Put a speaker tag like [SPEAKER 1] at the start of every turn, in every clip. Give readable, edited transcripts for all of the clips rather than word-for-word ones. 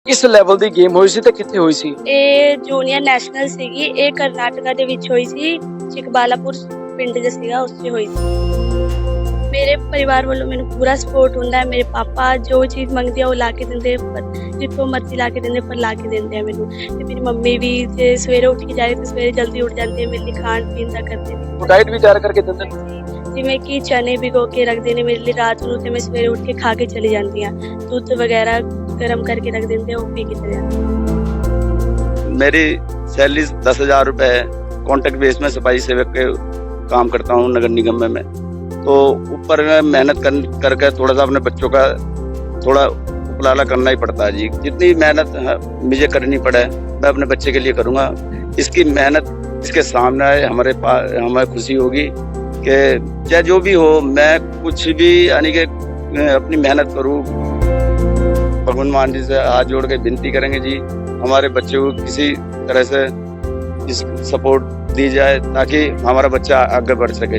[SPEAKER 1] ਕਿਸ ਲੈਵਲ ਦੀ ਗੇਮ ਹੋਈ ਸੀ ਤੇ ਕਿੱਥੇ ਹੋਈ ਸੀ?
[SPEAKER 2] ਇਹ ਜੂਨੀਅਰ ਨੈਸ਼ਨਲ ਸੀਗੀ। ਇਹ ਕਰਨਾਟਕਾ ਦੇ ਵਿੱਚ ਹੋਈ ਸੀ। ਚਿਕਬਾਲਾਪੁਰ ਪਿੰਡ ਜਿਹਾ ਸੀਗਾ, ਉਸ 'ਚ ਹੋਈ ਸੀ। ਮੇਰੇ ਪਰਿਵਾਰ ਵੱਲੋਂ ਮੈਨੂੰ ਪੂਰਾ ਸਪੋਰਟ ਹੁੰਦਾ ਹੈ। ਮੇਰੇ ਪਾਪਾ ਜੋ ਚੀਜ਼ ਮੰਗਦੇ ਆ ਉਹ ਲਾ ਕੇ ਦਿੰਦੇ, ਜਿੱਥੋਂ ਮਰਜ਼ੀ ਲਾ ਕੇ ਦਿੰਦੇ, ਪਰ ਲਾ ਕੇ ਦਿੰਦੇ ਆ ਮੈਨੂੰ। ਤੇ ਮੇਰੀ ਮੰਮੀ ਵੀ ਜੇ ਸਵੇਰੇ ਉੱਠ ਕੇ ਜਾਏ ਤਾਂ ਸਵੇਰੇ ਜਲਦੀ ਉੱਠ ਜਾਂਦੀ ਹੈ, ਮੇਰੇ ਲਈ ਖਾਣ ਪੀਣ ਦਾ ਕਰਦੇ ਨੇ।
[SPEAKER 1] ਡਾਈਟ ਵੀ ਤਿਆਰ ਕਰਕੇ ਦਿੰਦੇ ਨੇ?
[SPEAKER 2] ਜਿਵੇਂ ਕਿ ਚਨੇ ਭਿਗੋ ਕੇ ਰੱਖਦੇ ਨੇ ਮੇਰੇ ਲਈ ਰਾਤ ਨੂੰ, ਤੇ ਮੈਂ ਸਵੇਰੇ ਉੱਠ ਕੇ ਖਾ ਕੇ ਚਲੀ ਜਾਂਦੀ ਹਾਂ। ਦੁੱਧ ਵਗੈरह गर्म करके रख देते हैं, वो पी के चले जाते हैं।
[SPEAKER 3] मेरी सैलरी 10,000 रुपये है। कॉन्ट्रैक्ट बेस में सफाई सेवक के काम करता हूँ नगर निगम में मैं। तो ऊपर में मेहनत करके थोड़ा सा अपने बच्चों का थोड़ा उपलाला करना ही पड़ता है जी। जितनी मेहनत मुझे करनी पड़े मैं अपने बच्चे के लिए करूँगा। इसकी मेहनत इसके सामने आए हमें खुशी होगी कि चाहे जो भी हो, मैं कुछ भी यानी कि अपनी मेहनत करूँ। भगवान मान जी से हाथ जोड़ के विनती करेंगे जी, हमारे बच्चे को किसी तरह से इस सपोर्ट दी जाए ताकि हमारा बच्चा आगे बढ़ सके।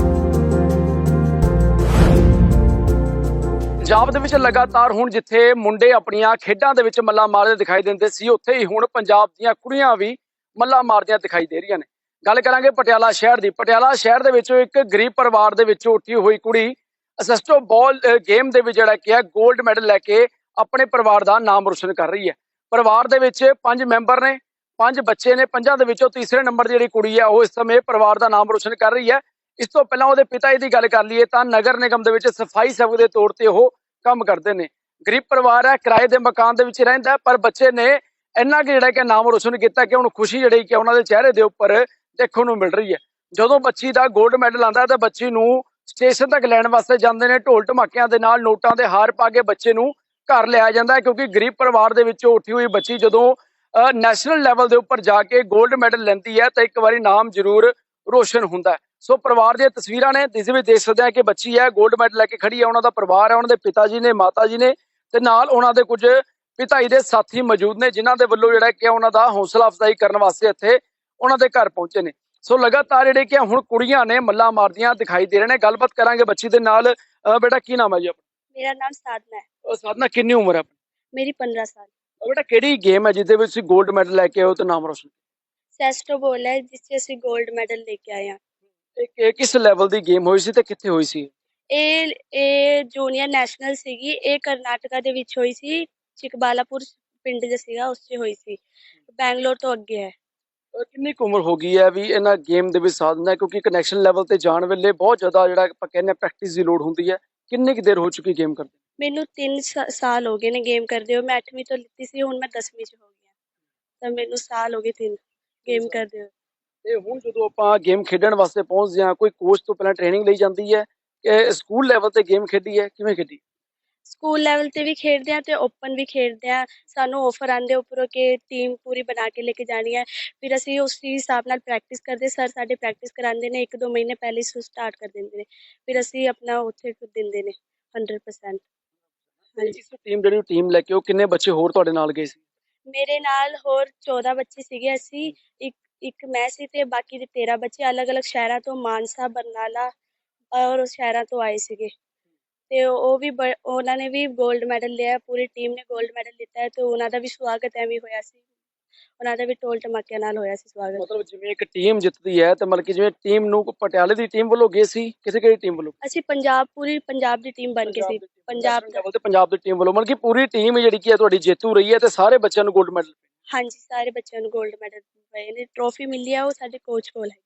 [SPEAKER 1] ਪੰਜਾਬ ਦੇ ਵਿੱਚ ਲਗਾਤਾਰ ਹੁਣ ਜਿੱਥੇ ਮੁੰਡੇ ਆਪਣੀਆਂ ਖੇਡਾਂ ਦੇ ਵਿੱਚ ਮੱਲਾਂ ਮਾਰਦੇ ਦਿਖਾਈ ਦਿੰਦੇ ਸੀ, ਉੱਥੇ ਹੀ ਹੁਣ ਪੰਜਾਬ ਦੀਆਂ ਕੁੜੀਆਂ ਵੀ ਮੱਲਾਂ ਮਾਰਦੀਆਂ ਦਿਖਾਈ ਦੇ ਰਹੀਆਂ ਨੇ। ਗੱਲ ਕਰਾਂਗੇ ਪਟਿਆਲਾ ਸ਼ਹਿਰ ਦੀ। ਪਟਿਆਲਾ ਸ਼ਹਿਰ ਦੇ ਵਿੱਚੋਂ ਇੱਕ ਗਰੀਬ ਪਰਿਵਾਰ ਦੇ ਵਿੱਚੋਂ ਉੱਠੀ ਹੋਈ ਕੁੜੀ ਅਸਿਸਟੋ ਬਾਲ ਗੇਮ ਦੇ ਵਿੱਚ ਜਿਹੜਾ ਕਿ ਹੈ 골ਡ ਮੈਡਲ ਲੈ ਕੇ ਆਪਣੇ ਪਰਿਵਾਰ ਦਾ ਨਾਮ ਰੋਸ਼ਨ ਕਰ ਰਹੀ ਹੈ। ਪਰਿਵਾਰ ਦੇ ਵਿੱਚ 5 ਮੈਂਬਰ ਨੇ, 5 ਬੱਚੇ ਨੇ। 5 ਦੇ ਵਿੱਚੋਂ ਤੀਸਰੇ ਨੰਬਰ ਦੀ ਜਿਹੜੀ ਕੁੜੀ ਹੈ ਉਹ ਇਸ ਸਮੇਂ ਪਰਿਵਾਰ ਦਾ ਨਾਮ ਰੋਸ਼ਨ ਕਰ ਰਹੀ ਹੈ। ਇਸ ਤੋਂ ਪਹਿਲਾਂ ਉਹਦੇ ਪਿਤਾ ਜੀ ਦੀ ਗੱਲ ਕਰ ਲਈਏ ਤਾਂ ਨਗਰ ਨਿਗਮ ਦੇ ਵਿੱਚ ਸਫਾਈ ਸੇਵਕ ਦੇ ਤੌਰ ਤੇ ਉਹ ਕੰਮ ਕਰਦੇ ਨੇ। ਗਰੀਬ ਪਰਿਵਾਰ ਹੈ, ਕਿਰਾਏ ਦੇ ਮਕਾਨ ਦੇ ਵਿੱਚ ਰਹਿੰਦਾ, ਪਰ ਬੱਚੇ ਨੇ ਇੰਨਾ ਕਿ ਜਿਹੜਾ ਕਿ ਨਾਮ ਰੋਸ਼ਨ ਕੀਤਾ ਕਿ ਹੁਣ ਖੁਸ਼ੀ ਜਿਹੜੀ ਕਿ ਉਹਨਾਂ ਦੇ ਚਿਹਰੇ ਦੇ ਉੱਪਰ ਦੇਖਣ ਨੂੰ ਮਿਲ ਰਹੀ ਹੈ। ਜਦੋਂ ਬੱਚੀ ਦਾ 골ਡ ਮੈਡਲ ਆਉਂਦਾ ਤਾਂ ਬੱਚੀ ਨੂੰ ਸਟੇਸ਼ਨ ਤੱਕ ਲੈਣ ਵਾਸਤੇ ਜਾਂਦੇ ਨੇ। ਢੋਲ ਢਮਾਕਿਆਂ ਦੇ ਨਾਲ ਨੋਟਾਂ ਦੇ ਹਾਰ ਪਾ ਕੇ ਬੱਚੇ ਨੂੰ ਘਰ ਲਿਆਇਆ ਜਾਂਦਾ ਹੈ, ਕਿਉਂਕਿ ਗਰੀਬ ਪਰਿਵਾਰ ਦੇ ਵਿੱਚੋਂ ਉੱਠੀ ਹੋਈ ਬੱਚੀ ਜਦੋਂ ਨੈਸ਼ਨਲ ਲੈਵਲ ਦੇ ਉੱਪਰ ਜਾ ਕੇ 골ਡ ਮੈਡਲ ਲੈਂਦੀ ਹੈ ਤਾਂ ਇੱਕ ਵਾਰੀ ਨਾਮ ਜ਼ਰੂਰ ਰੋਸ਼ਨ ਹੁੰਦਾ ਹੈ। ਸੋ ਪਰਿਵਾਰ ਦੀਆਂ ਤਸਵੀਰਾਂ ਨੇ, ਜਿਸ ਵਿੱਚ ਦੇਖ ਸਕਦੇ ਆ ਕਿ ਬੱਚੀ ਹੈ 골ਡ ਮੈਡਲ ਲੈ ਕੇ ਖੜੀ ਹੈ। ਉਹਨਾਂ ਦਾ ਪਰਿਵਾਰ ਹੈ, ਉਹਨਾਂ ਦੇ ਪਿਤਾ ਜੀ ਨੇ, ਮਾਤਾ ਜੀ ਨੇ, ਤੇ ਨਾਲ ਉਹਨਾਂ ਦੇ ਕੁਝ ਪਿਤਾ ਜੀ ਦੇ ਸਾਥੀ ਮੌਜੂਦ ਨੇ, ਜਿਨ੍ਹਾਂ ਦੇ ਵੱਲੋਂ ਜਿਹੜਾ ਕਿ ਉਹਨਾਂ ਦਾ ਹੌਸਲਾ ਅਫਜ਼ਾਈ ਕਰਨ ਵਾਸਤੇ ਇੱਥੇ ਉਹਨਾਂ ਦੇ ਘਰ ਪਹੁੰਚੇ ਨੇ। ਸੋ ਲਗਾਤਾਰ ਜਿਹੜੇ ਕਿ ਹੁਣ ਕੁੜੀਆਂ ਨੇ ਮੱਲਾਂ ਮਾਰਦੀਆਂ ਦਿਖਾਈ ਦੇ ਰਹੇ ਨੇ। ਗੱਲਬਾਤ ਕਰਾਂਗੇ ਬੱਚੀ ਦੇ ਨਾਲ। ਬੇਟਾ ਕੀ ਨਾਮ ਹੈ ਜੀ ਆਪਣਾ?
[SPEAKER 2] मेरा नाम साधना है।
[SPEAKER 1] ਸਾਧਨਾ, ਕਿੰਨੀ ਉਮਰ ਹੈ ਆਪਣੀ?
[SPEAKER 2] मेरी 15 साल।
[SPEAKER 1] ਬੇਟਾ ਕਿਹੜੀ ਗੇਮ ਹੈ ਜਿਹਦੇ ਵਿੱਚ ਤੁਸੀਂ 골ਡ ਮੈਡਲ ਲੈ ਕੇ ਆਏ ਹੋ ਤੇ ਨਾਮ ਰੋਸ਼ਨ?
[SPEAKER 2] ਸੈਸਟੋ ਬੋਲ ਹੈ, ਜਿਸ 'ਚ ਅਸੀਂ 골ਡ ਮੈਡਲ ਲੈ ਕੇ ਆਏ ਹਾਂ।
[SPEAKER 1] ਇਹ ਕਿਸ ਲੈਵਲ ਦੀ ਗੇਮ ਹੋਈ ਸੀ ਤੇ ਕਿੱਥੇ ਹੋਈ ਸੀ?
[SPEAKER 2] ਇਹ ਜੂਨੀਅਰ ਨੈਸ਼ਨਲ ਸੀਗੀ। ਇਹ ਕਰਨਾਟਕਾ ਦੇ ਵਿੱਚ ਹੋਈ ਸੀ। ਚਿਕਬਾਲਾਪੁਰ ਪਿੰਡ ਜਿਹਾ ਸੀਗਾ, ਉਸ 'ਚ ਹੋਈ ਸੀ। ਬੈਂਗਲੋਰ ਤੋਂ ਅੱਗੇ ਹੈ।
[SPEAKER 1] ਕਿੰਨੀ ਕੁ ਉਮਰ ਹੋ ਗਈ ਹੈ ਵੀ ਇਹਨਾਂ ਗੇਮ ਦੇ ਵਿੱਚ ਸਾਧਨਾ ਹੈ? ਕਿਉਂਕਿ ਕਨੈਕਸ਼ਨ ਲੈਵਲ ਤੇ ਜਾਣ ਵੇਲੇ ਬਹੁਤ ਜ਼ਿਆਦਾ ਜਿਹੜਾ ਆਪਾਂ ਕਹਿੰਦੇ ਪ੍ਰੈਕਟਿਸ ਦੀ ਲੋੜ ਹੁੰਦੀ ਹੈ। ਕਿੰਨੀ ਕੁ ਦੇਰ ਹੋ ਚੁੱਕੀ ਗੇਮ ਕਰਦੇ?
[SPEAKER 2] ਮੈਨੂੰ 3 ਸਾਲ ਹੋ ਗਏ ਨੇ ਗੇਮ ਕਰਦੇ ਹੋਏ। ਮੈਂ 8ਵੀਂ ਤੋਂ ਲਿੱਤੀ ਸੀ, ਹੁਣ ਮੈਂ 10ਵੀਂ 'ਚ ਹੋ ਗਈ ਹਾਂ। ਤਾਂ ਮੈਨੂੰ ਸਾਲ ਹੋ ਗਏ 3 ਗੇਮ ਕਰਦੇ ਹੋਏ।
[SPEAKER 1] ਤੇ ਹੁਣ ਜਦੋਂ ਆਪਾਂ ਗੇਮ ਖੇਡਣ ਵਾਸਤੇ ਪਹੁੰਚਦੇ ਹਾਂ, ਕੋਈ ਕੋਚ ਤੋਂ ਪਹਿਲਾਂ ਟ੍ਰੇਨਿੰਗ ਲਈ ਜਾਂਦੀ ਹੈ ਕਿ ਸਕੂਲ ਲੈਵਲ ਤੇ ਗੇਮ ਖੇਡੀ ਹੈ, ਕਿਵੇਂ ਖੇਡੀ?
[SPEAKER 2] ਸਕੂਲ ਲੈਵਲ ਤੇ ਵੀ ਖੇਡਦੇ ਹਾਂ ਤੇ ਓਪਨ ਵੀ ਖੇਡਦੇ ਹਾਂ। ਸਾਨੂੰ ਆਫਰ ਆਉਂਦੇ ਉੱਪਰੋਂ ਕਿ ਟੀਮ ਪੂਰੀ ਬਣਾ ਕੇ ਲੈ ਕੇ ਜਾਣੀ ਹੈ। ਫਿਰ ਅਸੀਂ ਉਸ ਹਿਸਾਬ ਨਾਲ ਪ੍ਰੈਕਟਿਸ ਕਰਦੇ। ਸਰ ਸਾਡੇ ਪ੍ਰੈਕਟਿਸ ਕਰਾਉਂਦੇ ਨੇ, 1-2 ਮਹੀਨੇ ਪਹਿਲੇ ਹੀ ਸਟਾਰਟ ਕਰ ਦਿੰਦੇ ਨੇ। ਫਿਰ ਅਸੀਂ ਆਪਣਾ ਉੱਥੇ ਦਿੰਦੇ ਨੇ 100%। ਹਾਂਜੀ।
[SPEAKER 1] ਇਸ ਟੀਮ ਲੈ ਕੇ ਉਹ ਕਿੰਨੇ ਬੱਚੇ ਹੋਰ ਤੁਹਾਡੇ ਨਾਲ ਗਏ ਸੀ?
[SPEAKER 2] ਮੇਰੇ ਨਾਲ ਹੋਰ 14 ਬੱਚੇ ਸੀਗੇ। ਅਸੀਂ ਇੱਕ ਮੈਂ ਸੀ ਤੇ ਬਾਕੀ ਦੇ 13 ਬੱਚੇ ਅਲੱਗ-ਅਲੱਗ ਸ਼ਹਿਰਾਂ ਤੋਂ, ਮਾਨਸਾ, ਬਰਨਾਲਾ ਔਰ ਸ਼ਹਿਰਾਂ ਤੋਂ ਆਏ ਸੀਗੇ। ਤੇ ਉਹ ਵੀ ਉਹਨਾਂ ਨੇ ਵੀ 골ਡ ਮੈਡਲ ਲਿਆ। ਪੂਰੀ ਟੀਮ ਨੇ 골ਡ ਮੈਡਲ ਲਿੱਤਾ ਹੈ ਤੇ ਉਹਨਾਂ ਦਾ ਵੀ ਸਵਾਗਤ ਐਵੇਂ ਹੋਇਆ ਸੀ। ਉਹਨਾਂ ਦਾ ਵੀ ਢੋਲ ਢਮਾਕਿਆਂ ਨਾਲ ਹੋਇਆ ਸੀ ਸਵਾਗਤ।
[SPEAKER 1] ਮਤਲਬ ਜਿਵੇਂ ਇੱਕ ਟੀਮ ਜਿੱਤਦੀ ਹੈ ਤੇ ਮਤਲਬ ਕਿ ਜਿਵੇਂ ਟੀਮ ਨੂੰ ਪਟਿਆਲੇ ਦੀ ਟੀਮ ਵੱਲੋਂ ਗਏ ਸੀ, ਕਿਸੇ ਕਿਹੜੀ ਟੀਮ ਵੱਲੋਂ?
[SPEAKER 2] ਅਸੀਂ ਪੂਰੀ ਪੰਜਾਬ ਦੀ ਟੀਮ ਬਣ ਕੇ ਸੀ। ਪੰਜਾਬ ਦਾ।
[SPEAKER 1] ਤੇ ਪੰਜਾਬ ਦੀ ਟੀਮ ਵੱਲੋਂ ਮਤਲਬ ਕਿ ਪੂਰੀ ਟੀਮ ਜਿਹੜੀ ਕੀ ਹੈ ਤੁਹਾਡੀ ਜੇਤੂ ਰਹੀ ਹੈ ਤੇ ਸਾਰੇ ਬੱਚਿਆਂ ਨੂੰ 골ਡ ਮੈਡਲ?
[SPEAKER 2] ਹਾਂਜੀ, ਸਾਰੇ ਬੱਚਿਆਂ ਨੂੰ 골ਡ ਮੈਡਲ ਪਏ ਨੇ। ਟਰੋਫੀ ਮਿਲੀ ਆ, ਉਹ ਸਾਡੇ ਕੋਚ ਕੋਲ ਹੈ।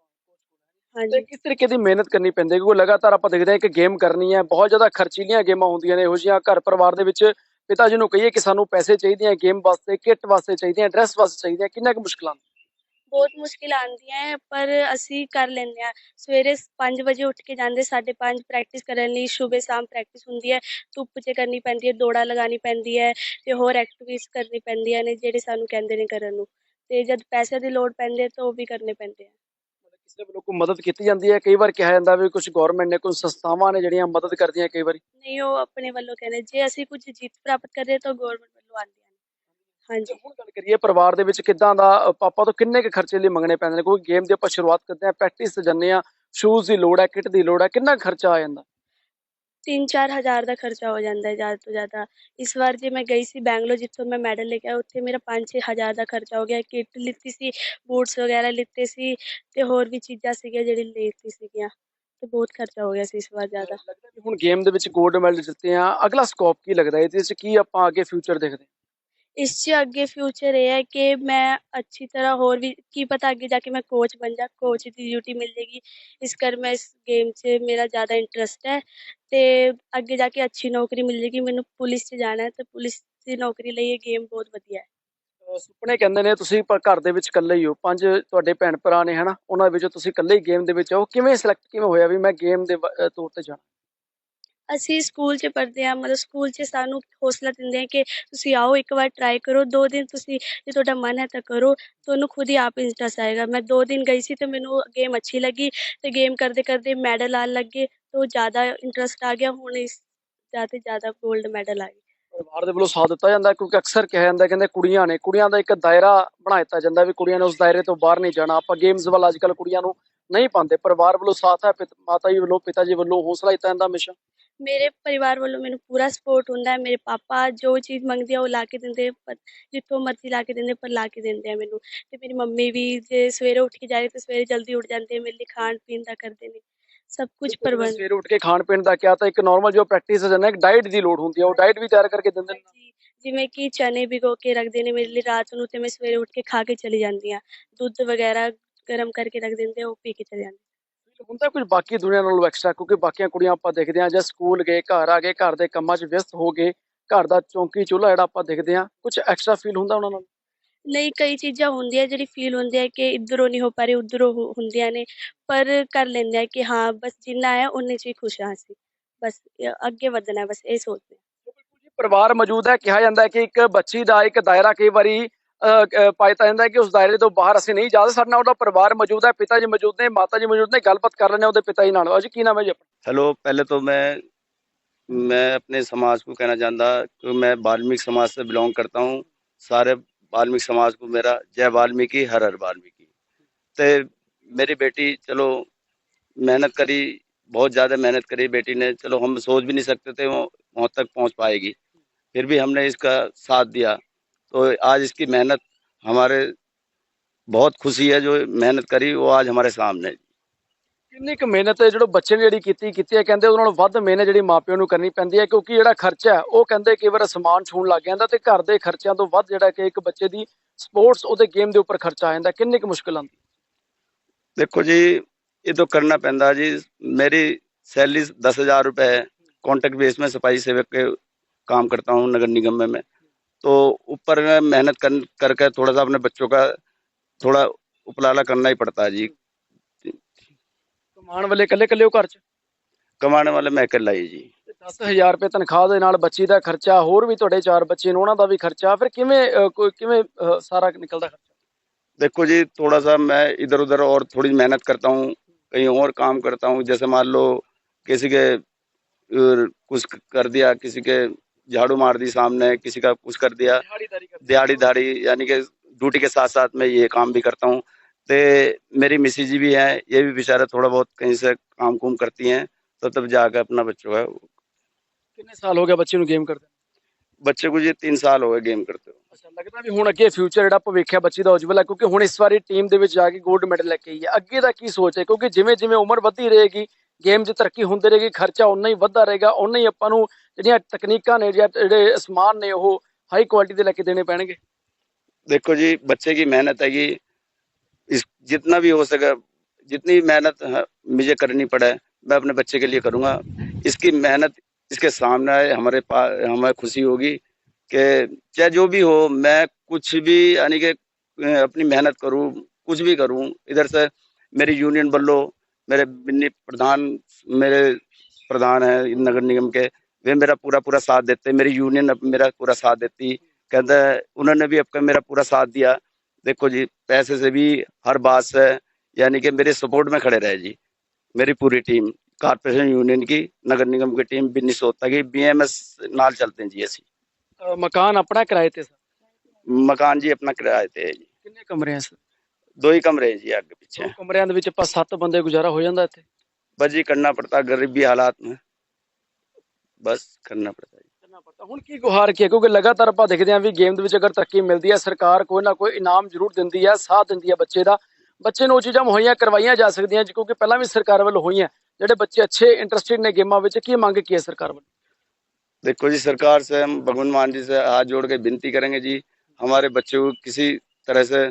[SPEAKER 1] ਤੇ
[SPEAKER 2] ਹਾਂਜੀ।
[SPEAKER 1] ਕਿਸ ਤਰੀਕੇ ਦੀ ਮਿਹਨਤ ਕਰਨੀ ਪੈਂਦੀ ਹੈ? ਕਿਉਂਕਿ ਲਗਾਤਾਰ ਆਪਾਂ ਦੇਖਦੇ ਹਾਂ ਕਿ ਗੇਮ ਕਰਨੀ ਹੈ, ਬਹੁਤ ਜ਼ਿਆਦਾ ਖਰਚੀਲੀਆਂ ਗੇਮਾਂ ਹੁੰਦੀਆਂ ਨੇ। ਇਹੋ ਜਿਹੀਆਂ ਘਰ ਪਰਿਵਾਰ ਦੇ ਵਿੱਚ ਪਿਤਾ ਜੀ ਨੂੰ ਕਹੀਏ ਕਿ ਸਾਨੂੰ ਪੈਸੇ ਚਾਹੀਦੇ ਆ ਗੇਮ ਵਾਸਤੇ, ਕਿੱਟ ਵਾਸਤੇ ਚਾਹੀਦੇ ਆ, ਡਰੈਸ ਵਾਸਤੇ ਚਾਹੀਦੇ ਆ, ਕਿੰਨਾ ਕੁ ਮੁਸ਼ਕਿਲ ਆਉਂਦਾ?
[SPEAKER 2] ਬਹੁਤ ਮੁਸ਼ਕਿਲ ਆਉਂਦੀਆਂ ਹੈ, ਪਰ ਅਸੀਂ ਕਰ ਲੈਂਦੇ ਹਾਂ। ਸਵੇਰੇ 5 ਵਜੇ ਉੱਠ ਕੇ ਜਾਂਦੇ, 5:30 ਪ੍ਰੈਕਟਿਸ ਕਰਨ ਲਈ। ਸੁਬਹ ਸ਼ਾਮ ਪ੍ਰੈਕਟਿਸ ਹੁੰਦੀ ਹੈ, ਧੁੱਪ 'ਚ ਕਰਨੀ ਪੈਂਦੀ ਹੈ, ਦੌੜਾਂ ਲਗਾਉਣੀ ਪੈਂਦੀ ਹੈ ਤੇ ਹੋਰ ਐਕਟੀਵਿਟੀਜ਼ ਕਰਨੀ ਪੈਂਦੀਆਂ ਨੇ ਜਿਹੜੇ ਸਾਨੂੰ ਕਹਿੰਦੇ ਨੇ ਕਰਨ ਨੂੰ। ਤੇ ਜਦ ਪੈਸੇ ਦੀ ਲੋੜ ਪੈਂਦੀ ਹੈ ਤਾਂ ਉਹ ਵੀ ਕਰਨੇ ਪੈਂਦੇ ਆ।
[SPEAKER 1] ਕਿਸੇ ਵੱਲੋਂ ਕੋਈ ਮਦਦ ਕੀਤੀ ਜਾਂਦੀ ਹੈ? ਕਈ ਵਾਰ ਕਿਹਾ ਜਾਂਦਾ ਵੀ ਕੁਝ ਗਵਰਨਮੈਂਟ ਨੇ, ਕੁਝ ਸੰਸਥਾਵਾਂ ਨੇ ਜਿਹੜੀਆਂ ਮਦਦ ਕਰਦੀਆਂ ਕਈ ਵਾਰੀ।
[SPEAKER 2] ਨਹੀਂ, ਉਹ ਆਪਣੇ ਵੱਲੋਂ ਕਹਿੰਦੇ ਜੇ ਅਸੀਂ ਕੁਝ ਜਿੱਤ ਪ੍ਰਾਪਤ ਕਰਦੇ ਤਾਂ ਗਵਰਨਮੈਂਟ ਵੱਲੋਂ ਆਉਂਦੀਆਂ ਨੇ। ਹਾਂਜੀ।
[SPEAKER 1] ਹੁਣ ਗੱਲ ਕਰੀਏ ਪਰਿਵਾਰ ਦੇ ਵਿੱਚ ਕਿੱਦਾਂ ਦਾ ਪਾਪਾ ਤੋਂ ਕਿੰਨੇ ਕੁ ਖਰਚੇ ਲਈ ਮੰਗਣੇ ਪੈਂਦੇ ਨੇ? ਕੋਈ ਗੇਮ ਦੀ ਆਪਾਂ ਸ਼ੁਰੂਆਤ ਕਰਦੇ ਹਾਂ, ਪ੍ਰੈਕਟਿਸ ਤੇ ਜਾਂਦੇ ਹਾਂ, ਸ਼ੂਜ਼ ਦੀ ਲੋੜ ਹੈ, ਕਿੱਟ ਦੀ ਲੋੜ ਹੈ, ਕਿੰਨਾ ਕੁ ਖਰਚਾ ਆ ਜਾਂਦਾ?
[SPEAKER 2] 3-4 ਹਜ਼ਾਰ ਦਾ ਖਰਚਾ ਹੋ ਜਾਂਦਾ ਹੈ ਜ਼ਿਆਦਾ ਤੋਂ ਜ਼ਿਆਦਾ। ਇਸ ਵਾਰ ਜੇ ਮੈਂ ਗਈ ਸੀ ਬੈਂਗਲੋਰ, ਜਿੱਥੋਂ ਮੈਂ ਮੈਡਲ ਲੈ ਕੇ ਆਈ, ਉੱਥੇ ਮੇਰਾ 5-6 ਹਜ਼ਾਰ ਦਾ ਖਰਚਾ ਹੋ ਗਿਆ। ਕਿੱਟ ਲਿੱਤੀ ਸੀ, ਬੂਟਸ ਵਗੈਰਾ ਲਿੱਤੇ ਸੀ ਤੇ ਹੋਰ ਵੀ ਚੀਜ਼ਾਂ ਸੀਗੀਆਂ ਜਿਹੜੀ ਲਿੱਤੀ ਸੀਗੀਆਂ, ਤੇ ਬਹੁਤ ਖਰਚਾ ਹੋ ਗਿਆ ਸੀ ਇਸ ਵਾਰ ਜ਼ਿਆਦਾ।
[SPEAKER 1] ਲੱਗਦਾ ਵੀ ਹੁਣ ਗੇਮ ਦੇ ਵਿੱਚ 골ਡ ਮੈਡਲ ਜਿੱਤੇ ਆ, ਅਗਲਾ ਸਕੋਪ ਕੀ ਲੱਗਦਾ ਇਹਦੇ ਵਿੱਚ, ਕੀ ਆਪਾਂ ਅੱਗੇ ਫਿਊਚਰ ਦੇਖਦੇ ਹਾਂ?
[SPEAKER 2] ਇਸ 'ਚ ਅੱਗੇ ਫਿਊਚਰ ਇਹ ਹੈ ਕਿ ਮੈਂ ਅੱਛੀ ਤਰ੍ਹਾਂ ਹੋਰ ਵੀ ਕੀ ਪਤਾ ਅੱਗੇ ਜਾ ਕੇ ਮੈਂ ਕੋਚ ਬਣ ਜਾ, ਕੋਚ ਦੀ ਡਿਊਟੀ ਮਿਲ ਜਾਏਗੀ। ਇਸ ਕਰ ਮੈਂ ਇਸ ਗੇਮ 'ਚ ਮੇਰਾ ਜ਼ਿਆਦਾ ਇੰਟਰਸਟ ਹੈ ਤੇ ਅੱਗੇ ਜਾ ਕੇ ਅੱਛੀ ਨੌਕਰੀ ਮਿਲ ਜਾਏਗੀ। ਮੈਨੂੰ ਪੁਲਿਸ 'ਚ ਜਾਣਾ ਹੈ ਤੇ ਪੁਲਿਸ ਦੀ ਨੌਕਰੀ ਲਈ ਇਹ ਗੇਮ ਬਹੁਤ ਵਧੀਆ ਹੈ।
[SPEAKER 1] ਸੁਪਨੇ ਕਹਿੰਦੇ ਨੇ ਤੁਸੀਂ, ਪਰ ਘਰ ਦੇ ਵਿੱਚ ਇਕੱਲੇ ਹੀ ਹੋ, 5 ਤੁਹਾਡੇ ਭੈਣ ਭਰਾ ਨੇ ਹਨਾ, ਉਹਨਾਂ ਵਿੱਚੋਂ ਤੁਸੀਂ ਇਕੱਲੇ ਹੀ ਗੇਮ ਦੇ ਵਿੱਚ ਹੋ। ਕਿਵੇਂ ਸਿਲੈਕਟ ਕਿਵੇਂ ਹੋਇਆ ਵੀ ਮੈਂ ਗੇਮ ਦੇ ਤੌਰ ਤੇ ਜਾਣਾ?
[SPEAKER 2] ਅਸੀਂ ਸਕੂਲ 'ਚ ਪੜ੍ਹਦੇ ਹਾਂ, ਮਤਲਬ ਸਕੂਲ 'ਚ ਸਾਨੂੰ ਹੌਸਲਾ ਦਿੰਦੇ ਆ ਕਿ ਤੁਸੀਂ ਆਓ, ਇੱਕ ਵਾਰ ਟਰਾਈ ਕਰੋ, 2 ਦਿਨ ਤੁਸੀਂ ਜੇ ਤੁਹਾਡਾ ਮਨ ਹੈ ਤਾਂ ਕਰੋ, ਤੁਹਾਨੂੰ ਖੁਦ ਹੀ ਆਪ ਇੰਟਰਸਟ ਆਏਗਾ। ਮੈਂ 2 ਦਿਨ ਗਈ ਸੀ ਤੇ ਮੈਨੂੰ ਗੇਮ ਅੱਛੀ ਲੱਗੀ ਤੇ ਗੇਮ ਕਰਦੇ-ਕਰਦੇ ਮੈਡਲ ਆਉਣ ਲੱਗੇ, ਤਾਂ ਜ਼ਿਆਦਾ ਇੰਟਰਸਟ ਆ ਗਿਆ। ਹੁਣ ਇਸ ਜ਼ਿਆਦਾ ਤੋਂ ਜ਼ਿਆਦਾ ਗੋਲਡ ਮੈਡਲ ਆ ਗਏ।
[SPEAKER 1] ਪਰਿਵਾਰ ਦੇ ਵੱਲੋਂ ਸਾਥ ਦਿੱਤਾ ਜਾਂਦਾ, ਕਿਉਂਕਿ ਅਕਸਰ ਕਿਹਾ ਜਾਂਦਾ, ਕਹਿੰਦੇ ਕੁੜੀਆਂ ਨੇ, ਕੁੜੀਆਂ ਦਾ ਇੱਕ ਦਾਇਰਾ ਬਣਾ ਦਿੱਤਾ ਜਾਂਦਾ ਵੀ ਕੁੜੀਆਂ ਨੇ ਉਸ ਦਾਇਰੇ ਤੋਂ ਬਾਹਰ ਨਹੀਂ ਜਾਣਾ। ਆਪਾਂ ਗੇਮਸ ਵੱਲ ਅੱਜ ਕੱਲ੍ਹ ਕੁੜੀਆਂ ਨੂੰ ਨਹੀਂ ਪਾਉਂਦੇ। ਪਰਿਵਾਰ ਵੱਲੋਂ ਸਾਥ ਹੈ, ਮਾਤਾ ਜੀ ਵੱਲੋਂ, ਪਿਤਾ ਜੀ ਵੱਲੋਂ ਹੌਸਲਾ ਦਿੱਤਾ ਜਾਂਦਾ ਹਮੇਸ਼ਾ।
[SPEAKER 2] ਮੇਰੇ ਪਰਿਵਾਰ ਵੱਲੋਂ ਮੈਨੂੰ ਪੂਰਾ ਸਪੋਰਟ ਹੁੰਦਾ ਹੈ। ਮੇਰੇ ਪਾਪਾ ਜੋ ਚੀਜ਼ ਮੰਗਦੀ ਆ ਉਹ ਲਾ ਕੇ ਦਿੰਦੇ, ਪਰ ਜਿੱਥੋਂ ਮਰਜ਼ੀ ਲਾ ਕੇ ਦਿੰਦੇ, ਪਰ ਲਾ ਕੇ ਦਿੰਦੇ ਆ ਮੈਨੂੰ। ਤੇ ਮੇਰੀ ਮੰਮੀ ਵੀ ਜੇ ਸਵੇਰੇ ਉੱਠ ਕੇ ਜਾਏ ਤਾਂ ਸਵੇਰੇ ਜਲਦੀ ਉੱਠ ਜਾਂਦੇ ਆ, ਮੇਰੇ ਲਈ ਖਾਣ ਪੀਣ ਦਾ ਕਰਦੇ ਨੇ, ਸਭ ਕੁਝ
[SPEAKER 1] ਬਿਲਕੁਲ, ਜਿਵੇਂ
[SPEAKER 2] ਪ੍ਰਬੰਧ।
[SPEAKER 1] ਸਵੇਰੇ ਉੱਠ ਕੇ ਖਾਣ ਪੀਣ ਦਾ ਕਿਹਾ, ਤਾਂ ਇੱਕ ਨਾਰਮਲ ਜੋ ਪ੍ਰੈਕਟਿਸ ਹੈ ਨਾ, ਇੱਕ ਡਾਈਟ ਦੀ ਲੋੜ ਹੁੰਦੀ ਹੈ, ਉਹ ਡਾਈਟ ਵੀ ਤਿਆਰ ਕਰਕੇ ਦਿੰਦੇ ਨੇ।
[SPEAKER 2] ਹਾਂਜੀ, ਜਿਵੇਂ ਕਿ ਚਨੇ ਭਿਗੋ ਕੇ ਰੱਖਦੇ ਨੇ ਮੇਰੇ ਲਈ ਰਾਤ ਨੂੰ, ਤੇ ਮੈਂ ਸਵੇਰੇ ਉੱਠ ਕੇ ਖਾ ਕੇ ਚਲੀ ਜਾਂਦੀ ਹਾਂ। ਦੁੱਧ ਵਗੈਰਾ ਗਰਮ ਕਰਕੇ ਰੱਖ ਦਿੰਦੇ ਆ, ਉਹ ਪੀ ਕੇ ਚਲੀ ਜਾਂਦੀ।
[SPEAKER 1] ਹੁੰਦਾ ਕੁਝ ਬਾਕੀ ਦੁਨੀਆ ਨਾਲੋਂ ਐਕਸਟਰਾ, ਕਿਉਂਕਿ ਬਾਕੀਆਂ ਕੁੜੀਆਂ ਆਪਾਂ ਦੇਖਦੇ ਹਾਂ ਜਾਂ ਸਕੂਲ ਗਏ, ਘਰ ਆ ਗਏ, ਘਰ ਦੇ ਕੰਮਾਂ 'ਚ ਵਿਅਸਤ ਹੋ ਗਏ, ਘਰ ਦਾ ਚੌਂਕੀ ਚੁੱਲ੍ਹਾ ਜਿਹੜਾ ਆਪਾਂ ਦੇਖਦੇ ਹਾਂ, ਕੁਝ ਐਕਸਟਰਾ ਫੀਲ ਹੁੰਦਾ ਉਹਨਾਂ ਨਾਲ?
[SPEAKER 2] ਨਹੀਂ, ਕਈ ਚੀਜ਼ਾਂ ਹੁੰਦੀਆਂ ਜਿਹੜੀ ਫੀਲ ਹੁੰਦੀ ਹੈ ਕਿ ਇੱਧਰੋਂ ਨਹੀਂ ਹੋ ਪਾ ਰਹੀ, ਉੱਧਰੋਂ ਹੁੰਦੀਆਂ ਨੇ, ਪਰ ਕਰ ਲੈਂਦੇ ਆ ਕਿ ਹਾਂ ਬਸ ਜਿੰਨਾ ਹੈ ਉਨੇ 'ਚ ਹੀ ਖੁਸ਼ ਹਾਂ ਅਸੀਂ, ਬਸ ਅੱਗੇ ਵਧਣਾ ਹੈ, ਬਸ ਇਹ ਸੋਚਦੇ ਹਾਂ।
[SPEAKER 1] ਪਰਿਵਾਰ ਮੌਜੂਦ ਹੈ, ਕਿਹਾ ਜਾਂਦਾ ਹੈ ਕਿ ਇੱਕ ਬੱਚੀ ਦਾ ਇੱਕ ਦਾਇਰਾ ਕਈ ਵਾਰੀ ਪਾਇਆ ਜਾਂਦਾ ਹੈ ਕਿ ਉਸ ਦਾਇਰੇ ਤੋਂ ਬਾਹਰ ਅਸੀਂ ਨਹੀਂ ਜਾ ਸਕਦੇ। ਸਾਡੇ ਨਾਲ ਉਹਦਾ ਪਰਿਵਾਰ ਮੌਜੂਦ ਹੈ, ਪਿਤਾ ਜੀ ਮੌਜੂਦ ਨੇ, ਮਾਤਾ ਜੀ ਮੌਜੂਦ ਨੇ, ਗੱਲਬਾਤ ਕਰ ਲੈਂਦੇ ਹਾਂ ਉਹਦੇ ਪਿਤਾ ਜੀ ਨਾਲ। ਅਜੀ ਕੀ ਨਾਮ ਹੈ ਜੀ ਆਪਣਾ?
[SPEAKER 3] हेलो, पहले तो मैं अपने समाज को कहना चाहता कि मैं वाल्मीकि समाज से बिलोंग करता हूँ। सारे वाल्मीकि समाज को मेरा जय वाल्मीकि, हर हर वाल्मीकि। तो मेरी बेटी चलो मेहनत करी, बहुत ज़्यादा मेहनत करी बेटी ने। चलो हम सोच भी नहीं सकते थे वो वहाँ तक पहुँच पाएगी, फिर भी हमने इसका साथ दिया। तो आज इसकी मेहनत हमारे बहुत खुशी है, जो मेहनत करी वो आज हमारे सामने है।
[SPEAKER 1] ਕਿੰਨੀ ਕੁ ਮਿਹਨਤ ਹੈ ਜਿਹੜਾ ਬੱਚੇ ਨੇ ਜਿਹੜੀ ਕੀਤੀ ਹੈ, ਕਹਿੰਦੇ ਉਹਨਾਂ ਨਾਲੋਂ ਵੱਧ ਮਿਹਨਤ ਜਿਹੜੀ ਮਾਪਿਆਂ ਨੂੰ ਕਰਨੀ ਪੈਂਦੀ ਹੈ, ਕਿਉਂਕਿ ਜਿਹੜਾ ਖਰਚਾ ਹੈ ਉਹ ਕਹਿੰਦੇ ਕਈ ਵਾਰ ਅਸਮਾਨ ਛੂਹਣ ਲੱਗ ਜਾਂਦਾ, ਤੇ ਘਰ ਦੇ ਖਰਚਿਆਂ ਤੋਂ ਵੱਧ ਜਿਹੜਾ ਕਿ ਇੱਕ ਬੱਚੇ ਦੀ ਸਪੋਰਟਸ ਉਹਦੇ ਗੇਮ ਦੇ ਉੱਪਰ ਖਰਚਾ ਆ ਜਾਂਦਾ। ਕਿੰਨੀ ਕੁ ਮੁਸ਼ਕਿਲ ਆਉਂਦੀ?
[SPEAKER 3] देखो जी, ये तो करना पैंदा जी। मेरी सैलरी 10,000 रुपये है। कॉन्ट्रैक्ट बेस में सफाई सेवक के काम करता हूँ नगर निगम में मैं। तो ऊपर में मेहनत करके थोड़ा सा अपने बच्चों का थोड़ा उपलाला करना ही पड़ता है जी।
[SPEAKER 1] ਕਮਾਉਣ ਵਾਲੇ ਇਕੱਲੇ ਇਕੱਲੇ ਉਹ ਘਰ 'ਚ?
[SPEAKER 3] कमाने वाले मैं अकेला ही जी।
[SPEAKER 1] 10,000 ਰੁਪਏ ਤਨਖਾਹ ਦੇ ਨਾਲ ਬੱਚੀ ਦਾ ਖਰਚਾ, ਹੋਰ ਵੀ ਤੁਹਾਡੇ 4 ਬੱਚੇ ਨੇ ਉਹਨਾਂ ਦਾ ਵੀ ਖਰਚਾ, ਫਿਰ ਕਿਵੇਂ ਕਿਵੇਂ ਸਾਰਾ ਨਿਕਲਦਾ ਖਰਚਾ?
[SPEAKER 3] देखो जी, थोड़ा सा मैं इधर उधर और थोड़ी मेहनत करता हूँ, कहीं और काम करता हूँ। जैसे मान लो किसी के कुछ कर दिया, किसी के झाड़ू मार दी सामने, किसी का कुछ कर दिया, दिहाड़ी दाड़ी, यानी कि ड्यूटी के साथ साथ मैं ये काम भी करता हूँ। तो मेरी मिसी जी भी हैं, ये भी बेचारा थोड़ा बहुत कहीं से काम कुम करती हैं, तो तब जाकर अपना बच्चों का।
[SPEAKER 1] ਕਿੰਨੇ ਸਾਲ ਹੋ ਗਿਆ ਬੱਚੇ ਨੂੰ ਗੇਮ ਕਰਦੇ?
[SPEAKER 3] बच्चे को जी 3 साल हो गए गेम करते हो।
[SPEAKER 1] ਅੱਛਾ, ਲੱਗਦਾ ਵੀ ਹੁਣ ਅੱਗੇ ਫਿਊਚਰ ਜਿਹੜਾ ਭਵਿੱਖ ਹੈ ਬੱਚੀ ਦਾ ਉਜਵਲ ਹੈ, ਕਿਉਂਕਿ ਹੁਣ ਇਸ ਵਾਰੀ ਟੀਮ ਦੇ ਵਿੱਚ ਜਾ ਕੇ 골ਡ ਮੈਡਲ ਲੈ ਕੇ ਆਈ ਹੈ। ਅੱਗੇ ਦਾ ਕੀ ਸੋਚ ਹੈ, ਕਿਉਂਕਿ ਜਿਵੇਂ ਜਿਵੇਂ ਉਮਰ ਵੱਧਦੀ ਰਹੇਗੀ, ਗੇਮ 'ਚ ਤਰੱਕੀ ਹੁੰਦੀ ਰਹੇਗੀ, ਖਰਚਾ ਉਨਾ ਹੀ ਵੱਧਦਾ ਰਹੇਗਾ, ਉਨਾ ਹੀ ਆਪਾਂ ਨੂੰ ਜਿਹੜੀਆਂ ਤਕਨੀਕਾਂ ਨੇ ਜਾਂ ਜਿਹੜੇ ਸਮਾਨ ਨੇ ਉਹ ਹਾਈ ਕੁਆਲਿਟੀ ਦੇ ਲੈ ਕੇ ਦੇਣੇ ਪੈਣਗੇ।
[SPEAKER 3] देखो जी, बच्चे की मेहनत है कि इस जितना भी हो सके, जितनी मेहनत मुझे करनी पड़े मैं अपने बच्चे के लिए करूँगा। इसकी मेहनत इसके सामने आए, हमें खुशी होगी कि चाहे जो भी हो, मैं कुछ भी यानी कि अपनी मेहनत करूँ, कुछ भी करूँ। इधर से मेरी यूनियन बल्लो, मेरे बिन्नी प्रधान, मेरे प्रधान हैं नगर निगम के, वे मेरा पूरा साथ देते। मेरी यूनियन मेरा पूरा साथ देती, कहता है उन्होंने भी अब मेरा पूरा साथ दिया। देखो जी, पैसे से भी हर बात से यानी कि मेरे सपोर्ट में खड़े रहे जी। मेरी पूरी टीम कारपोरेशन यूनियन की, नगर निगम की टीम, बिन्नी सोता की, BMS नाल चलते हैं जी। ऐसी
[SPEAKER 1] ਮਕਾਨ ਆਪਣਾ ਕਿਰਾਏ ਤੇ ਸਰ?
[SPEAKER 3] मकान जी अपना किराए थे जी।
[SPEAKER 1] ਕਿੰਨੇ ਕਮਰੇ ਆ ਸਰ?
[SPEAKER 3] 2 ही कमरे हैं जी, आगे
[SPEAKER 1] 2
[SPEAKER 3] पीछे।
[SPEAKER 1] ਕਮਰਿਆਂ ਦੇ ਵਿੱਚ ਆਪਾਂ 7 ਬੰਦੇ ਗੁਜ਼ਾਰਾ ਹੋ ਜਾਂਦਾ ਇੱਥੇ?
[SPEAKER 3] बस जी करना पड़ता गरीबी हालात में। बस करना पड़ता है।
[SPEAKER 1] ਕਰਨਾ ਪੜਦਾ ਹੁਣ ਕੀ ਗੁਹਾਰ ਕੀ ਹੈ ਕਿਉਂਕਿ ਲਗਾਤਾਰ ਆਪਾਂ ਦੇਖਦੇ ਹਾਂ ਵੀ ਗੇਮ ਦੇ ਵਿੱਚ ਅਗਰ ਤਰੱਕੀ ਮਿਲਦੀ ਹੈ ਸਰਕਾਰ ਕੋਈ ਨਾ ਕੋਈ ਇਨਾਮ ਜ਼ਰੂਰ ਦਿੰਦੀ ਹੈ ਸਾਥ ਦਿੰਦੀ ਹੈ ਬੱਚੇ ਦਾ ਬੱਚੇ ਨੂੰ ਉਹ ਚੀਜ਼ਾਂ ਮੁਹੱਈਆ ਕਰਵਾਈਆਂ ਜਾ ਸਕਦੀਆਂ ਕਿਉਂਕਿ ਪਹਿਲਾਂ ਵੀ ਸਰਕਾਰ ਵੱਲੋਂ ਹੋਈਆਂ ਜਿਹੜੇ ਬੱਚੇ ਅੱਛੇ ਇੰਟਰਸਟਿਡ ਨੇ ਗੇਮਾਂ ਵਿੱਚ ਕੀ ਮੰਗ ਕੀ ਹੈ ਸਰਕਾਰ ਵੱਲੋਂ
[SPEAKER 3] देखो जी, सरकार से हम भगवान मान जी से हाथ जोड़ के विनती करेंगे जी, हमारे बच्चे को किसी तरह से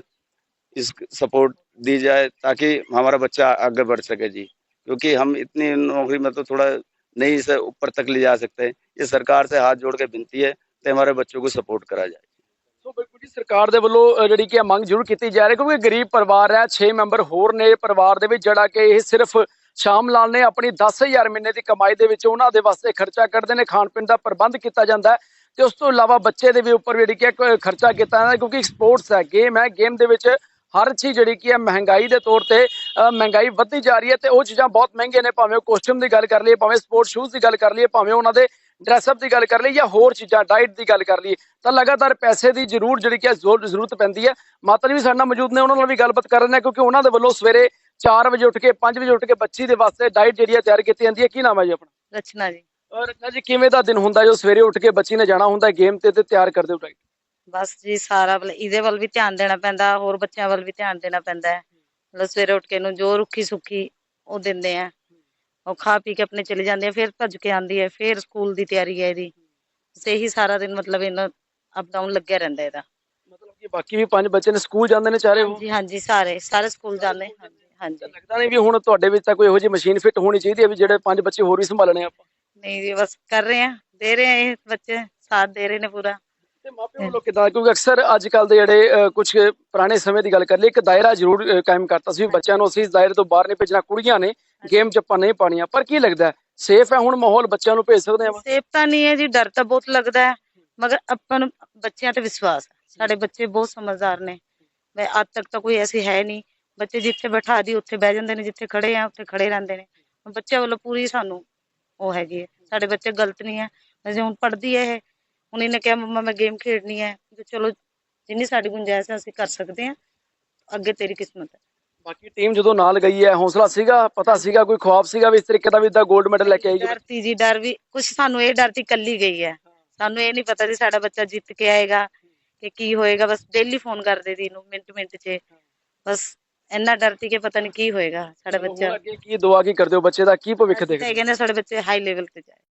[SPEAKER 3] इस सपोर्ट दी जाए ताकि हमारा बच्चा आगे बढ़ सके जी, क्योंकि हम इतनी नौकरी में तो थोड़ा नहीं से ऊपर तक ले जा सकते। ये सरकार से हाथ जोड़ के विनती है कि हमारे बच्चों को सपोर्ट करा जाए।
[SPEAKER 1] ਸੋ ਬਿਲਕੁਲ ਜੀ ਸਰਕਾਰ ਦੇ ਵੱਲੋਂ ਜਿਹੜੀ ਕਿ ਮੰਗ ਜ਼ਰੂਰ ਕੀਤੀ ਜਾ ਰਹੀ ਕਿਉਂਕਿ ਗਰੀਬ ਪਰਿਵਾਰ ਹੈ 6 ਮੈਂਬਰ ਹੋਰ ਨੇ ਪਰਿਵਾਰ ਦੇ ਵਿੱਚ ਜਿਹੜਾ ਕਿ ਇਹ ਸਿਰਫ ਸ਼ਾਮ ਲਾਲ ਨੇ ਆਪਣੀ 10000 ਮਹੀਨੇ ਦੀ ਕਮਾਈ ਦੇ ਵਿੱਚ ਉਹਨਾਂ ਦੇ ਵਾਸਤੇ ਖਰਚਾ ਕੱਢਦੇ ਨੇ ਖਾਣ ਪੀਣ ਦਾ ਪ੍ਰਬੰਧ ਕੀਤਾ ਜਾਂਦਾ ਹੈ ਤੇ ਉਸ ਤੋਂ ਇਲਾਵਾ ਬੱਚੇ ਦੇ ਵੀ ਉੱਪਰ ਜਿਹੜੀ ਕਿ ਖਰਚਾ ਕੀਤਾ ਜਾਂਦਾ ਕਿਉਂਕਿ ਸਪੋਰਟਸ ਹੈ ਗੇਮ ਦੇ ਵਿੱਚ ਹਰ ਚੀਜ਼ ਜਿਹੜੀ ਕਿ ਹੈ ਮਹਿੰਗਾਈ ਦੇ ਤੌਰ ਤੇ ਮਹਿੰਗਾਈ ਵੱਧਦੀ ਜਾ ਰਹੀ ਹੈ ਤੇ ਉਹ ਚੀਜ਼ਾਂ ਬਹੁਤ ਮਹਿੰਗੀਆਂ ਨੇ ਭਾਵੇਂ ਉਹ ਕੋਸਟਿਊਮ ਦੀ ਗੱਲ ਕਰ ਲਈਏ ਭਾਵੇਂ ਸਪੋਰਟ ਸ਼ੂਜ਼ ਦੀ ਗੱਲ ਕਰ ਲਈਏ ਭਾਵੇਂ ਉਹਨਾਂ ਦੇ ਡਰੈਸਅਪ ਦੀ ਗੱਲ ਕਰ ਲਈ ਜਾਂ ਹੋਰ ਚੀਜ਼ਾਂ ਡਾਈਟ ਦੀ ਗੱਲ ਕਰ ਲਈਏ ਤਾਂ ਲਗਾਤਾਰ ਪੈਸੇ ਦੀ ਜ਼ਰੂਰ ਜਿਹੜੀ ਕਿ ਜ਼ਰੂਰਤ ਪੈਂਦੀ ਹੈ ਮਾਤਾ ਜੀ ਵੀ ਸਾਡੇ ਨਾਲ ਮੌਜੂਦ ਨੇ ਉਹਨਾਂ ਨਾਲ ਵੀ ਗੱਲਬਾਤ ਕਰ ਰਹੇ ਨੇ ਕਿਉਂਕਿ ਉਹਨਾਂ ਦੇ ਵੱਲੋਂ ਸਵੇਰੇ 4 ਵਜੇ ਉੱਠ ਕੇ 5 ਵਜੇ ਉੱਠ ਕੇ ਬੱਚੀ ਦੇ ਵਾਸਤੇ ਡਾਈਟ ਜਿਹੜੀ ਹੈ ਤਿਆਰ ਕੀਤੀ ਜਾਂਦੀ ਹੈ ਕੀ ਨਾਮ ਹੈ ਜੀ ਆਪਣਾ
[SPEAKER 4] ਰਚਨਾ ਜੀ।
[SPEAKER 1] ਰਚਨਾ ਜੀ ਕਿਵੇਂ ਦਾ ਦਿਨ ਹੁੰਦਾ ਜੋ ਸਵੇਰੇ ਉੱਠ ਕੇ ਬੱਚੀ ਨੇ ਜਾਣਾ ਹੁੰਦਾ ਗੇਮ ਤੇ ਤਿਆਰ ਕਰਦੇ ਹੋ ਡਾਈਟ
[SPEAKER 4] ਬਸ ਜੀ ਸਾਰਾ ਇਹਦੇ ਵੱਲ ਵੀ ਧਿਆਨ ਦੇਣਾ ਪੈਂਦਾ ਹੋਰ ਬੱਚਿਆਂ ਵੱਲ ਵੀ ਧਿਆਨ ਦੇਣਾ ਪੈਂਦਾ ਹੈ ਮਤਲਬ ਸਵੇਰੇ ਉੱਠ ਕੇ ਇਹਨੂੰ ਜੋ ਰੁੱਖੀ ਸੁੱਖੀ ਉਹ ਦਿੰਦੇ ਆ ਉਹ ਖਾ ਪੀ ਕੇ ਆਪਣੇ ਚਲੇ ਜਾਂਦੇ ਆ ਫਿਰ ਭੱਜ ਕੇ ਆਉਂਦੀ ਹੈ ਫਿਰ ਸਕੂਲ ਦੀ ਤਿਆਰੀ ਹੈ ਇਹਦੀ ਇਹੀ ਸਾਰਾ ਦਿਨ ਮਤਲਬ ਇਹਨਾਂ ਅਪ ਡਾਊਨ ਲੱਗਿਆ ਰਹਿੰਦਾ ਇਹਦਾ
[SPEAKER 1] ਮਤਲਬ ਕਿ ਬਾਕੀ ਵੀ 5 ਬੱਚੇ ਨੇ ਸਕੂਲ ਜਾਂਦੇ ਨੇ ਚਾਰੇ ਉਹ
[SPEAKER 4] ਜੀ ਹਾਂਜੀ ਸਾਰੇ ਸਕੂਲ ਜਾਂਦੇ ਹਾਂਜੀ ਹਾਂਜੀ
[SPEAKER 1] ਲੱਗਦਾ ਨਹੀਂ ਵੀ ਹੁਣ ਤੁਹਾਡੇ ਵਿੱਚ ਤਾਂ ਕੋਈ ਇਹੋ ਜਿਹੀ ਮਸ਼ੀਨ ਫਿੱਟ ਹੋਣੀ ਚਾਹੀਦੀ ਹੈ ਵੀ ਜਿਹੜੇ 5 ਬੱਚੇ ਹੋਰ ਵੀ ਸੰਭਾਲਣੇ ਆਪਾਂ
[SPEAKER 4] ਨਹੀਂ ਜੀ ਬਸ ਕਰ ਰਹੇ ਆ ਦੇ ਰਹੇ ਆ ਇਹ ਬੱਚੇ ਸਾਥ ਦੇ ਰਹੇ ਨੇ ਪੂਰਾ
[SPEAKER 1] ਤੇ ਮਾਪਿਆਂ ਵੱਲੋਂ ਕਿੱਦਾਂ ਕਿਉਂਕਿ ਅਕਸਰ ਅੱਜ ਕੱਲ ਦੇ ਜਿਹੜੇ ਕੁਝ ਪੁਰਾਣੇ ਸਮੇਂ ਦੀ ਗੱਲ ਕਰ ਲਈ ਇੱਕ ਦਾਇਰਾ ਜ਼ਰੂਰ ਕਾਇਮ ਕਰਤਾ ਸੀ ਵੀ ਬੱਚਿਆਂ ਨੂੰ ਅਸੀਂ ਇਸ ਦਾਇਰੇ ਤੋਂ ਬਾਹਰ ਨਹੀਂ ਭੇਜਣਾ ਕੁੜੀਆਂ ਨੇ ਗੇਮ 'ਚ ਆਪਾਂ ਨਹੀਂ ਪਾਣੀਆਂ ਪਰ ਕੀ ਲੱਗਦਾ ਸੇਫ ਹੈ ਹੁਣ ਮਾਹੌਲ ਬੱਚਿਆਂ ਨੂੰ ਭੇਜ ਸਕਦੇ ਆ
[SPEAKER 4] ਸੇਫ ਤਾਂ ਨਹੀਂ ਹੈ ਜੀ ਡਰ ਤਾਂ ਬਹੁਤ ਲੱਗਦਾ ਹੈ ਮਗਰ ਆਪਾਂ ਨੂੰ ਬੱਚਿਆਂ ਤੇ ਵਿਸ਼ਵਾਸ ਹੈ ਸਾਡੇ ਬੱਚੇ ਬਹੁਤ ਸਮਝਦਾਰ ਨੇ ਮੈਂ ਅੱਜ ਤੱਕ ਤਾਂ ਕੋਈ ਐਸੀ ਹੈ ਨਹੀਂ ਬੱਚੇ ਜਿੱਥੇ ਬਿਠਾ ਦੀ ਉੱਥੇ ਬਹਿ ਜਾਂਦੇ ਨੇ ਜਿੱਥੇ ਖੜੇ ਆ ਉੱਥੇ ਖੜੇ ਰਹਿੰਦੇ ਨੇ ਬੱਚਿਆਂ ਵੱਲੋਂ ਪੂਰੀ ਸਾਨੂੰ ਉਹ ਹੈਗੀ ਹੈ ਸਾਡੇ ਬੱਚੇ ਗਲਤ ਨਹੀਂ ਹੈ ਵੈਸੇ ਹੁਣ ਪੜ੍ਹਦੀ ਹੈ ਇਹ ਹੁਣ ਇਹਨੇ ਕਿਹਾ ਮੰਮਾ ਮੈਂ ਗੇਮ ਖੇਡਣੀ ਹੈ ਤੇ ਚਲੋ ਜਿੰਨੀ ਸਾਡੀ ਗੁੰਜਾਇਸ਼ ਹੈ ਅਸੀਂ ਕਰ ਸਕਦੇ ਹਾਂ ਅੱਗੇ ਤੇਰੀ ਕਿਸਮਤ ਹੈ
[SPEAKER 1] ਬਾਕੀ ਟੀਮ ਜਦੋਂ ਨਾਲ ਗਈ ਹੈ ਹੌਸਲਾ ਸੀਗਾ ਪਤਾ ਸੀਗਾ ਕੋਈ ਖੁਆਬ ਸੀਗਾ ਵੀ ਇਸ ਤਰੀਕੇ ਦਾ ਵੀ ਇਦਾਂ 골ਡ ਮੈਡਲ ਲੈ ਕੇ ਆਏਗੀ
[SPEAKER 4] ਡਰ ਤੀ ਜੀ ਡਰ ਵੀ ਕੁਝ ਸਾਨੂੰ ਇਹ ਡਰ ਤੀ ਕੱਲੀ ਗਈ ਹੈ ਸਾਨੂੰ ਇਹ ਨਹੀਂ ਪਤਾ ਸੀ ਸਾਡਾ ਬੱਚਾ ਜਿੱਤ ਕੇ ਆਏਗਾ ਕਿ ਕੀ ਹੋਏਗਾ ਬਸ ਡੇਲੀ ਫੋਨ ਕਰਦੇ ਸੀ ਇਹਨੂੰ ਮਿੰਟ 'ਚ ਬਸ ਇੰਨਾ ਡਰ ਤੀ ਕਿ ਪਤਾ ਨਹੀਂ ਕੀ ਹੋਏਗਾ ਸਾਡਾ ਬੱਚਾ
[SPEAKER 1] ਅੱਗੇ ਕੀ ਦੁਆ ਕੀ ਕਰਦੇ ਹੋ ਬੱਚੇ ਦਾ ਕੀ ਭਵਿੱਖ ਦੇਖਦੇ
[SPEAKER 4] ਕਹਿੰਦੇ ਸਾਡੇ ਬੱਚੇ ਹਾਈ ਲੈਵਲ ਤੇ ਜਾਏ